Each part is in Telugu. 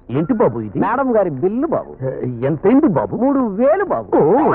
ఏంటి బాబు ఇది? మేడం గారి బిల్లు బాబు. ఎంతైంది బాబు? 3000 బాబు.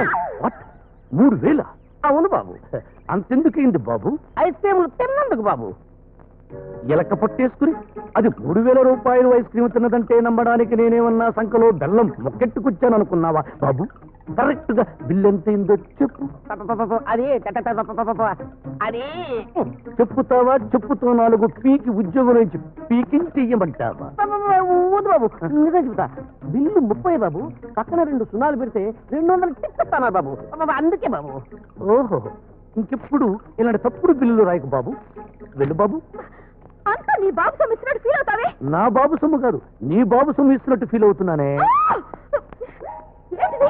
3000? అవును బాబు. అంతెందుకైంది బాబు? ఐస్ క్రీములు తిన్నందుకు బాబు. ఎలక పట్టేసుకుని అది 3000 రూపాయలు ఐస్ క్రీమ్ తిన్నదంటే నమ్మడానికి నేనేమన్నా సంఖలో బెల్లం మొక్కెట్టుకొచ్చాను అనుకున్నావా బాబు? కరెక్ట్ గా బిల్ ఎంతైందో చెప్పు. అది అది చెప్పుతావా? చెప్పుతో 4 పీకి ఉద్యోగం నుంచి పీకింగ్ చెయ్యమంటావా? వద్దు బాబు, నిజం చెబుతా. బిల్లు 30 బాబు. పక్కన 2 సున్నాలు పెడితే 200 టిక్కెత్తానా బాబు. అందుకే బాబు. ఓహో, ఇంకెప్పుడు ఇలాంటి తప్పుడు బిల్లులు రాయకు బాబు. వెళ్ళు బాబు. అంతా నీ బాబు సొమ్ము ఇస్తున్నట్టు ఫీల్ అవుతావే. నా బాబు సొమ్ము కాదు, నీ బాబు సొమ్ము ఇస్తున్నట్టు ఫీల్ అవుతున్నానే. ఏంటిది?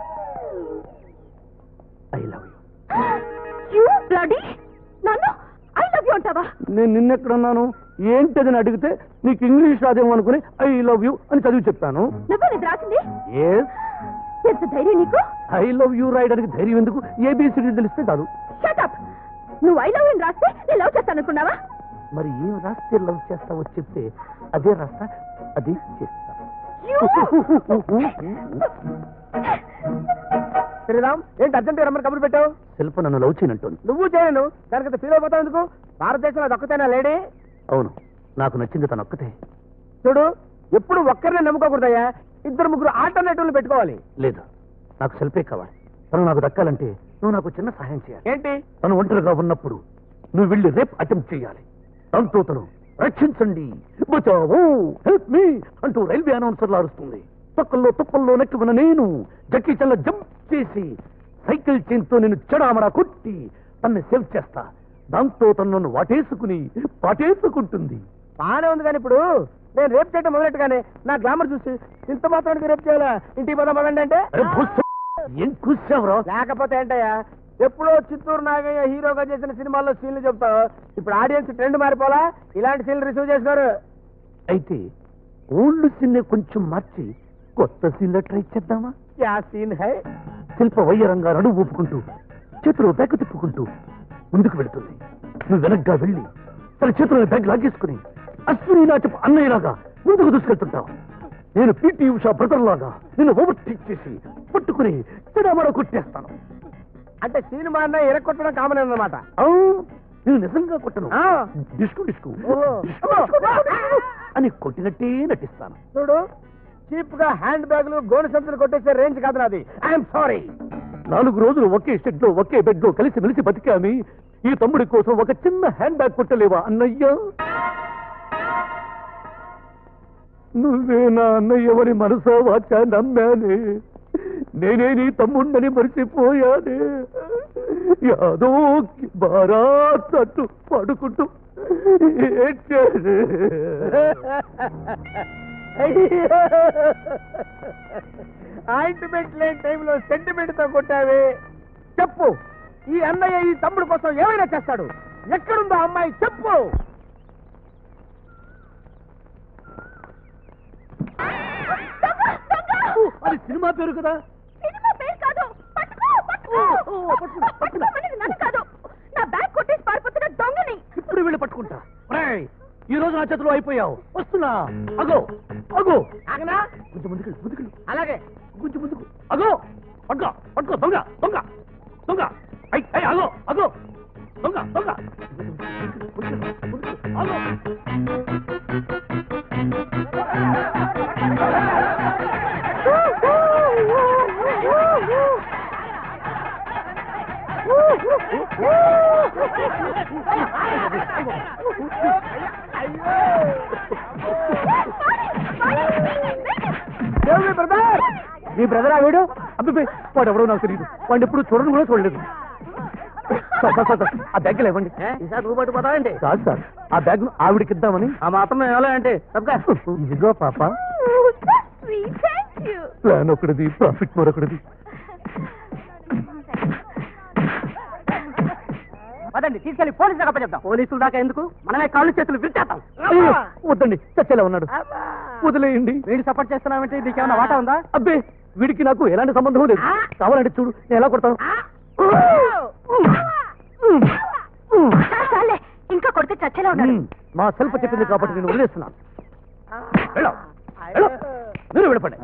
I love you bloody. నన్ను ఐ లవ్ యూ అంటావా? నేను నిన్నెక్కడున్నాను ఏంటదని అడిగితే నీకు ఇంగ్లీష్ రాదేమో అనుకుని ఐ లవ్ యూ అని చదివి చెప్పాను. నువ్వే ఇది రాసింది? ఎస్. ఎంత ధైర్యం నీకు? ఐ లవ్ యూ రాయడానికి ధైర్యం ఎందుకు? ఏబిసిడి తెలిస్తే చాలు. Shut up. నువ్వు ఐ లవ్ యూ రాస్తే నేను లవ్ చేస్తాను అనుకున్నావా? మరి ఏం రాస్తే లవ్ చేస్తావో చెప్తే అదే రాస్తా, అదే చేస్తా. శ్రీరామ్, ఏంటి అర్జెంట్ రమ్మని కబురు పెట్టావు? శిల్ప నన్ను లవ్ చేయనంటుంది. నువ్వు చేయను, దానికంత ఫీల్ అయిపోతావు ఎందుకు? భారతదేశంలో అది ఒక్కతేనా లేడీ? అవును, నాకు నచ్చింది తను ఒక్కతే. చూడు, ఎప్పుడు ఒక్కరినే నమ్ముకోకూడదయ్యా. 2-3 ఆల్టర్నేటివ్లు పెట్టుకోవాలి. లేదు, నాకు శిల్పే కావాలి. తను నాకు దక్కాలంటే నువ్వు నాకు చిన్న సహాయం చేయాలి. ఏంటి? తను ఒంటరిగా ఉన్నప్పుడు నువ్వు వెళ్ళి రేప్ అటెంప్ట్ చేయాలి. దాంతో తను రక్షించండి, బచావో, హెల్ప్ మీ అంటూ రైల్వే అనౌన్సర్లు అరుస్తుంది. తొక్కల్లో తుప్పల్లో నెక్కి ఉన్న నేను జక్కీ చల్ల జంప్ చేసి సైకిల్ చైన్తో నేను చెడామడా కొట్టి తన్ని సేవ్ చేస్తా. దాంతో తను నన్ను వాటేసుకుని పాటేసుకుంటుంది. బానే ఉంది, కానీ ఇప్పుడు నేను రేపు చేయడం మొదలెట్టుగానే నా గ్లామర్ చూసి ఇంత మాత్రానికి రేపు చేయాలా? ఇంటికి పోదాం పదండి అంటే ఏం కూర్చావురా? లేకపోతే ఏంటయ్యా, ఎప్పుడో చిత్తూరు నాగయ్య హీరోగా చేసిన సినిమాల్లో సీన్లు చెప్తావు. ఇప్పుడు ఆడియన్స్ ట్రెండ్ మారిపోలా, ఇలాంటి సీన్లు రిసీవ్ చేస్తున్నారు. అయితే ఓల్డ్ సీన్ కొంచెం మార్చి కొత్త సీన్లో ట్రై చేద్దామా? యా సీన్ హై. శిల్ప వయ్యరంగా నడువు ఊపుకుంటూ చేతిలో బ్యాగ్ తిప్పుకుంటూ ముందుకు వెళుతుంది. నువ్వు వెనక్గా వెళ్ళి తన చేతిలో బ్యాగ్ లాగేసుకుని అశ్విని నాచపు అన్నయ్యలాగా ముందుకు దూసుకెళ్తుంటావు. నేను పీటీ ఉషా బ్రదర్ లాగా నిన్ను ఓవర్టేక్ చేసి పట్టుకుని చెడమడ కొట్టేస్తాను. అంటే సినిమా అన్న ఎరగొట్టడం కామన్ అన్నమాట. నేను నిజంగా కొట్టను, డిస్కు డిస్కు ఓహో. అని కొట్టినట్టే నటిస్తాను. చూడు, చీప్ గా హ్యాండ్ బ్యాగులు గోను సంచులు కొట్టేసే రేంజ్ కాదు నాది. I'm sorry. 4 రోజులు ఒకే షెడ్ లో ఒకే బెడ్ లో కలిసి మెలిసి బతికామి. ఈ తమ్ముడి కోసం ఒక చిన్న హ్యాండ్ బ్యాగ్ కొట్టలేవా అన్నయ్య? నువ్వే నా అన్నయ్యవని మనసా వాచా నమ్మానే. నేనే నీ తమ్ముడిని మరిచిపోయానే. యాదో బారాత్ అంటూ పడుకుంటూ ఆయింట్మెంట్ లేని టైంలో సెంటిమెంట్ తో కొట్టావే. చెప్పు, ఈ అన్నయ్య ఈ తమ్ముడు కోసం ఏమైనా చేస్తాడు. ఎక్కడుందో అమ్మాయి చెప్పు. అది సినిమా పేరు కదా. సినిమా పేరు కాదు. పట్టుకోమనేది నన్ను కాదు, నా బ్యాగ్ కొట్టేసి పారిపోతున్న దొంగని. ఇప్పుడు వీళ్ళు పట్టుకుంటా. ఈ రోజు నా చేతిలో అయిపోయావు. వస్తున్నా. అగో అగో, ఆగనా? కొంచెం ముందుకు ముందుకు. అలాగే కొంచెం ముందుకు. అగో, పట్టుకో పట్టుకో. దొంగ దొంగ దొంగ. అగో అగో, దొంగ దొంగ. అగో. మీ బ్రదర్ ఆ వీడు? అబ్బాయి, వాడు ఎవరో నాకు తెలియదు. వాడిని ఎప్పుడు చూడడం కూడా చూడలేదు. ఆ బ్యాగ్ ఇవ్వండి. ఈసారి నువ్వు పట్టుకుపోతావండి? కాదు సార్, ఆ బ్యాగ్ ఆవిడకి ఇద్దామని. ఆ మాత్రం ఎలా అంటే ఇదిగో పాప. ప్లాన్ ఒకటిది, ప్రాఫిట్ మరొకటిది. పదండి, తీసుకెళ్లి పోలీసులు అప్ప చెప్తాం. పోలీసులు దాకా ఎందుకు, మనమే కాళ్ళు చేతులు విరిచేస్తాం. వద్దండి, చచ్చేలా ఉన్నాడు, వదిలేయండి. వీడు సపోర్ట్ చేస్తున్నామంటే నీకేమన్నా వాటా ఉందా? అబ్బే, వీడికి నాకు ఎలాంటి సంబంధం లేదు. కావాలంటే చూడు, నేను ఎలా కొడతాను. ఇంకా కొడితే చచ్చేలా ఉన్నాడు. మా శిల్ప చెప్పింది కాబట్టి నేను వదిలేస్తున్నాను. వెళ్ళు. మీరు విడపండి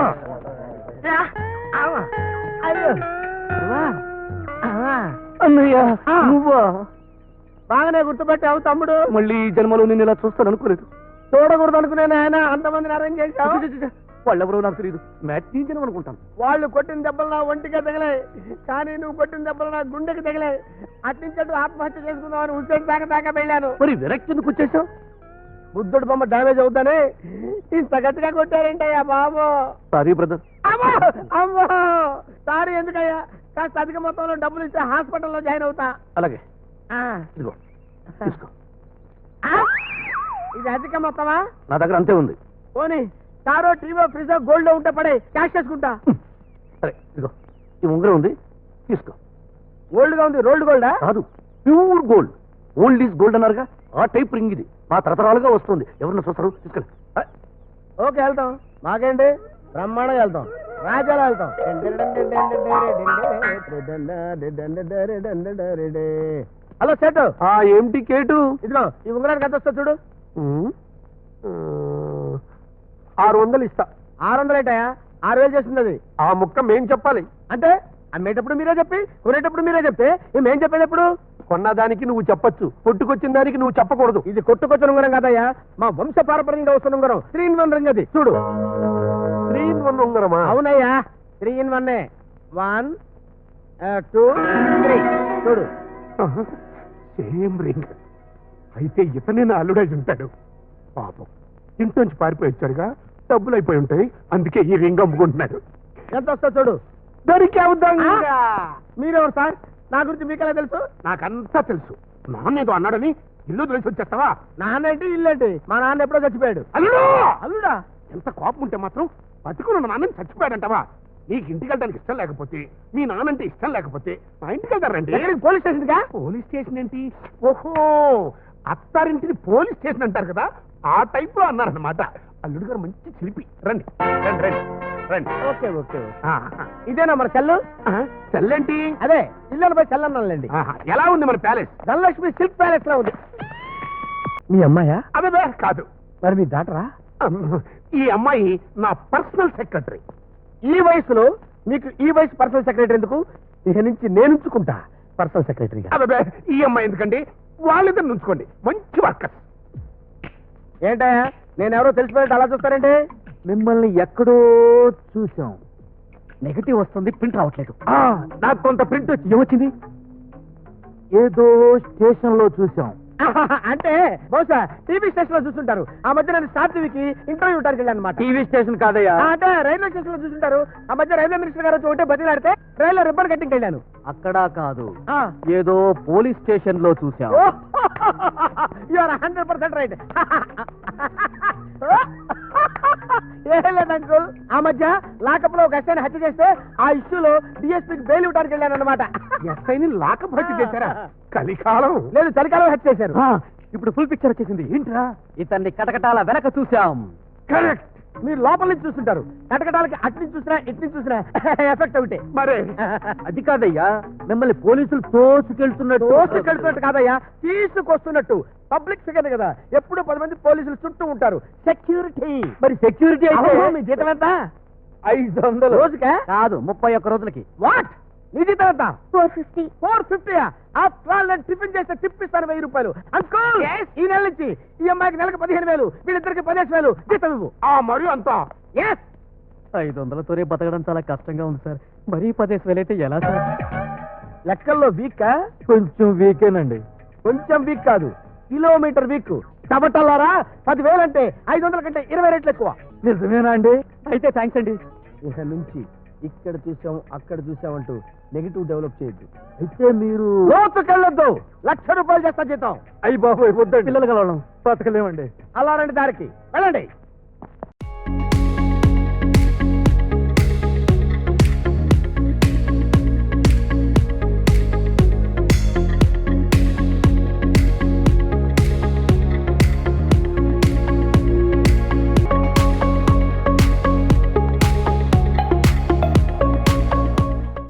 అన్నయ్య నువ్వా బాగానే గుర్తుపెట్టావు తమ్ముడు. మళ్ళీ ఈ జన్మలో నేను ఇలా చూస్తాను అనుకోలేదు. చూడకూడదు అనుకున్నాను ఆయన, అంతమందిని అరేంజ్ చేశావు. వాళ్ళెవరో నాకు తెలియదు. మ్యాట్నీ జనం అనుకుంటాను. వాళ్ళు కొట్టిన దెబ్బలు నా ఒంటికే తగిలే, కానీ నువ్వు కొట్టిన దెబ్బలు నా గుండెకి తగిలే. అట్నుంచట్టు ఆత్మహత్య చేసుకుందామని హుస్సేన్ దాకా వెళ్ళాను. మరి విరక్తి ఎందుకు వచ్చేసావు? బుద్ధుడు బొమ్మ డ్యామేజ్ అవుతానే ఇంత గట్టిగా కొట్టారేంటయ్యా బాబు. Sorry brother. అమ్మో అమ్మో సారీ ఎందుకయ్యా, కాస్త అధిక మొత్తంలో డబ్బులు ఇస్తే హాస్పిటల్లో జాయిన్ అవుతా. అలాగే ఆ, ఇదిగో తీసుకో. ఆ, ఇది అధిక మొత్తమా? నా దగ్గర అంతే ఉంది. పోనీ కారో టీవో ఫ్రిజో గోల్డ్ లో ఉంటే పడే, క్యాష్ చేసుకుంటా. సరే ఇదిగో ఈ ఉంగరం ఉంది తీసుకో. గోల్డ్ గా ఉంది, రోల్డ్ గోల్డా? కాదు, pure gold. Old is gold అన్నారుగా, ఆ టైప్ రింగ్ ఇది. మా తరతరాలుగా వస్తుంది. ఎవరన్నా చూస్తారు తీసుకెళ్ళి. ఓకే వెళ్తాం, మాకేంటి బ్రహ్మాండంగా వెళ్తాం, రాజాలో వెళ్తాం. హలో సేటు. ఏమిటి కేటు? ఇదిగో ఈ ఉంగరానికి ఎంత వస్తా చూడు. 600 ఇస్తా. 600 ఏంటయా, 6000 చేస్తుంది అది. ఆ ముక్క మేం చెప్పాలి. అంటే అమ్మేటప్పుడు మీరే చెప్పి కొనేటప్పుడు మీరే చెప్తే మేం చెప్పేది ఎప్పుడు? కొన్నదానికి నువ్వు చెప్పొచ్చు, పుట్టుకొచ్చిన దానికి నువ్వు చెప్పకూడదు. ఇది కొట్టుకొచ్చిన ఉంగరం కాదయ్యా, మా వంశ పారపర్యంగా వస్తున్న ఉంగరం. 3 in 1 రింగ్ అది చూడు. 3 in 1 ఉంగరమా? అవునయ్యా, 3 in 1. 1 2 3 చూడు. Same ring. అయితే ఇతనే నా అల్లుడేసి ఉంటాడు. పాపం ఇంట్లోంచి పారిపోయి వచ్చారుగా, డబ్బులు అయిపోయి ఉంటాయి, అందుకే ఈ రింగ్ అమ్ముకుంటున్నాడు. ఎంత వస్తా చూడు. దొరికేవుద్దాం. మీరెవరు సార్? నా గురించి మీకెలా తెలుసు? నాకంతా తెలుసు. నాన్నేదో అన్నాడని ఇల్లు తెలిసి వచ్చేస్తావా? నాన్న ఏంటి ఇల్లు ఏంటి? మా నాన్న ఎప్పుడో చచ్చిపోయాడు. అల్లుడు! అల్లుడా? ఎంత కోపం ఉంటే మాత్రం బతుకున్న నాన్నని చచ్చిపోయాడంటావా? నీకు ఇంటికి వెళ్ళడానికి ఇష్టం లేకపోతే, మీ నాన్నంటే ఇష్టం లేకపోతే మా ఇంటికి వెళ్తారండి. పోలీస్ స్టేషన్ గా? పోలీస్ స్టేషన్ ఏంటి? ఓహో, అత్తారింటిని పోలీస్ స్టేషన్ అంటారు కదా, ఆ టైప్ లో అన్నారన్నమాట. అల్లుడు గారు మంచి చిలిపి. రండి రండి రండి రండి. Okay okay. ఇదేనా మన చెల్లు? చెల్లేంటి? అదే ఇల్లు పోయి చెల్లన్నాళ్ళండి. ఎలా ఉంది మన ప్యాలెస్? ధనలక్ష్మి సిల్క్ ప్యాలెస్ లా ఉంది. మీ అమ్మాయా? అదే కాదు. మరి మీ డాటరా? ఈ అమ్మాయి నా పర్సనల్ సెక్రటరీ. ఈ వయసులో మీకు ఈ వయసు పర్సనల్ సెక్రటరీ ఎందుకు? ఇక నుంచి నేను ఉంచుకుంటా పర్సనల్ సెక్రటరీగా. అదే ఈ అమ్మాయి ఎందుకండి, వాళ్ళిద్దరు ఉంచుకోండి, మంచి వర్కర్స్. ఏంటయ్యా నేనెవరో తెలిసిపోయినట్టు అలా చూస్తారంటే? మిమ్మల్ని ఎక్కడో చూసాం. నెగటివ్ వస్తుంది, ప్రింట్ రావట్లేదు. నాకు కొంత ప్రింట్ వచ్చి ఏమొచ్చింది? ఏదో స్టేషన్ లో చూసాం. అంటే బహుశా టీవీ స్టేషన్ లో చూస్తుంటారు. ఆ మధ్య నేను స్టార్ టీవీకి ఇంటర్వ్యూ ఇవ్వడానికి వెళ్ళాను అనమాట. టీవీ స్టేషన్ కాదయ్యా. అంటే రైల్వే స్టేషన్ లో చూస్తుంటారు. ఆ మధ్య రైల్వే మినిస్టర్ గారు ఒకటే బతిలాడితే రైల్లో రిబ్బన్ కట్టింగ్ వెళ్ళాను. అక్కడ కాదు, ఆ. ఏదో పోలీస్ స్టేషన్ లో చూసాం. You are 100% right. ఏం లేదు అంకుల్, ఆ మధ్య లాకప్ లో ఒక ఎస్ఐని హత్య చేస్తే ఆ ఇష్యూలో డిఎస్పీకి బెయిల్ ఇవ్వడానికి వెళ్ళాను అనమాట. ఎస్ఐని లాకప్ హత్య చేశారా? కలికాలం. లేదు, చలికాలం హత్య చేశారు. ఇప్పుడు ఫుల్ పిక్చర్ వచ్చేసింది. ఏంట్రా? ఇతన్ని కటకటాల వెనక చూసాం. కరెక్ట్. మీరు లోపల నుంచి చూస్తుంటారు, కటకటాలకి అటు నుంచి చూసినా ఇటు నుంచి చూసినా ఎఫెక్ట్ ఒకటే. మరే అది కాదయ్యా, మిమ్మల్ని పోలీసులు తోసుకెళ్తున్నట్టు. దోసుకెళ్తున్నట్టు కాదయ్యా, తీసుకొస్తున్నట్టు. పబ్లిక్ ఫిగర్ కదా, ఎప్పుడు 10 మంది పోలీసులు చుట్టూ ఉంటారు. సెక్యూరిటీ. మరి సెక్యూరిటీ అయితే మీ జీతం ఎంత? 500 రోజుకా? కాదు, 31 రోజులకి. వాట్? నీ జీతం ఎంత? 450. 450. ఆఫ్టర్ ఆల్ నేను టిఫిన్ చేస్తే టిప్ ఇస్తాను 1000 రూపాయలు. అంకుల్ ఈ నెల నుంచి ఈ అమ్మాయికి నెలకు 15,000, వీళ్ళిద్దరికి 15,000 జీతం ఇవ్వు. మరి అంతా. ఎస్. 500తోనే బతకడం చాలా కష్టంగా ఉంది సార్. మరీ 10,000 అయితే ఎలా సార్? లెక్కల్లో వీక్? కొంచెం వీకేనండి. కొంచెం వీక్ కాదు, కిలోమీటర్ వీక్. టబటల్లారా, 10,000 అంటే 500 కంటే 20 రెట్లు ఎక్కువ. నిజమేనా అండి? అయితే థ్యాంక్స్ అండి. ఇక నుంచి ఇక్కడ చూసాం అక్కడ చూసామంటూ నెగిటివ్ డెవలప్ చేయొద్దు. అయితే మీరు లోతుకెళ్ళొద్దు. 1,00,000 రూపాయలు చేస్తా జీతం. అయ్యి బాబు వద్దండి, పిల్లలు కలవడం బతకలేమండి. అలా రండి, దారికి వెళ్ళండి.